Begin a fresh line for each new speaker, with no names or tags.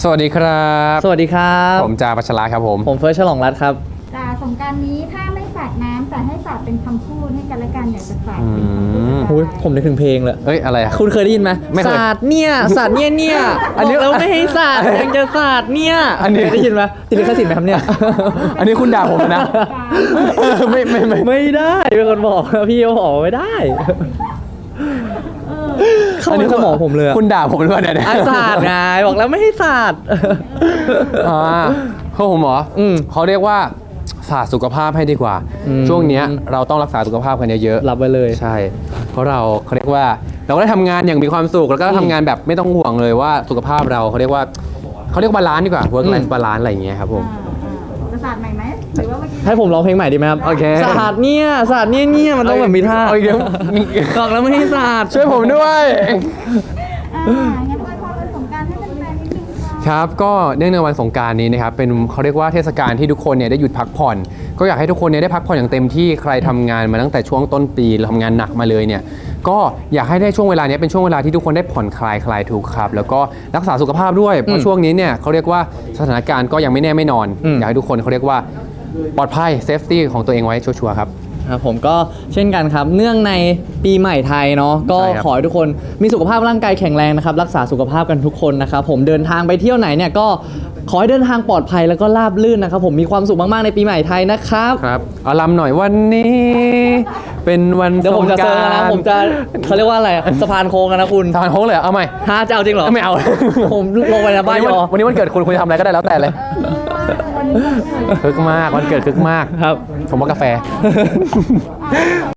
สวัสดีครับ
สวัสดีครับ
ผมจ่าปัชราครับผม
เฟิร์สฉลองรัตน์ครับ
สงกรานต์นี้ถ้าไม่สาดน้ำแต่ให้สาดเป็นคำพูดให้กันและกันอยากจะสาดเป็นคำพูด
โอ้ยผมนึกถึงเพลงเลย
เอ้ยอะไรอะ
คุณเคยได้ยินไหม
ไม่เคย
สาดเนี่ยสาดเนี่ยอันนี้เราไม่ให้สาดยังจะสาดเนี่ย
อันนี้
เคยได้ยินไหมติดลิขสิทธิ์ไหมครับเนี่ย
อันนี้คุณด่าผมนะ
ไม่ได้เป็นคนบอกพี่เขาบอกไม่ได้เข้าในสมองผมเลย
คุณด่าผมหรือเปล่าเนี่ย
สาดไงบอกแล้วไม่ให้สาด
เขาผมเหรอเขาเรียกว่าศาสตร์สุขภาพให้ดีกว่า ช่วงเนี้ยเราต้องรักษาสุขภาพกันเยอะๆ
รับไว้เลย
ใช่ เพราะเขาเรียกว่าเราก็ได้ทำงานอย่างมีความสุขแล้วก็ทำงานแบบไม่ต้องห่วงเลยว่าสุขภาพเราเขาเรียกว่าบาลานซ์ดีกว่า work life balance อะไรอย่างเงี้ยครับผม
จะสาดใหม่ไหมหรือว่าเมื่อกี้
ให้ผมร้องเพลงใหม่ดีไหมครับ
โอเค
สาดเนี่ยมันต้องแบบมีท่า
โอเค
บอกแล้วไม่ให้สาด
ช่วยผมด้วย
งั้นอวยพรวันสงกรานต์ให้แฟนๆนิดนึงค่ะ
ครับก็เนื่องในวันสงกรานต์นี้นะครับเป็นเขาเรียกว่าเทศกาลที่ทุกคนเนี่ยได้หยุดพักผ่อนก็อยากให้ทุกคนเนี่ยได้พักผ่อนอย่างเต็มที่ใครทำงานมาตั้งแต่ช่วงต้นปีทำงานหนักมาเลยเนี่ยก็อยากให้ได้ช่วงเวลานี้เป็นช่วงเวลาที่ทุกคนได้ผ่อนคลายทุกข์ครับแล้วก็รักษาสุขภาพด้วยเพราะช่วงนี้เนี่ยเขาเรียกว่าสถานการณ์ก็ยังไม่แน่ไม่นอน อยากให้ทุกคนเขาเรียกว่าปลอดภัยเซฟตี้ของตัวเองไว้ชัวร์ๆครับ
ครับผมก็เช่นกันครับเนื่องในปีใหม่ไทยเนาะก็
ใช่ครับ
ขอให้ทุกคนมีสุขภาพร่างกายแข็งแรงนะครับรักษาสุขภาพกันทุกคนนะครับผมเดินทางไปเที่ยวไหนเนี่ยก็ขอให้เดินทางปลอดภัยแล้วก็ราบรื่นนะครับผมมีความสุขมากๆในปีใหม่ไทยนะครับ
ครับเอาลำหน่อยวันนี้ เป็นวัน
เดี๋ยวผมจะ
สงก
เซิ
รา
ร์
น
นะ
ต์
ผมจะเขาเรียกว่าอะไรสะพานโค้งกันนะคุณ
ทานโค้งเลยเหรอเอาใหม่
ฮะจะเอาจริงเหรอ
ไม่เอา
ผมลงไปนะบ้านยอ
วันนี้วันเกิดคุณจะทำอะไรก็ได้แล้วแต่เลย
วันนี้
คึกมากวันเกิดคึกมาก
ครับ
ผมว่ากาแฟ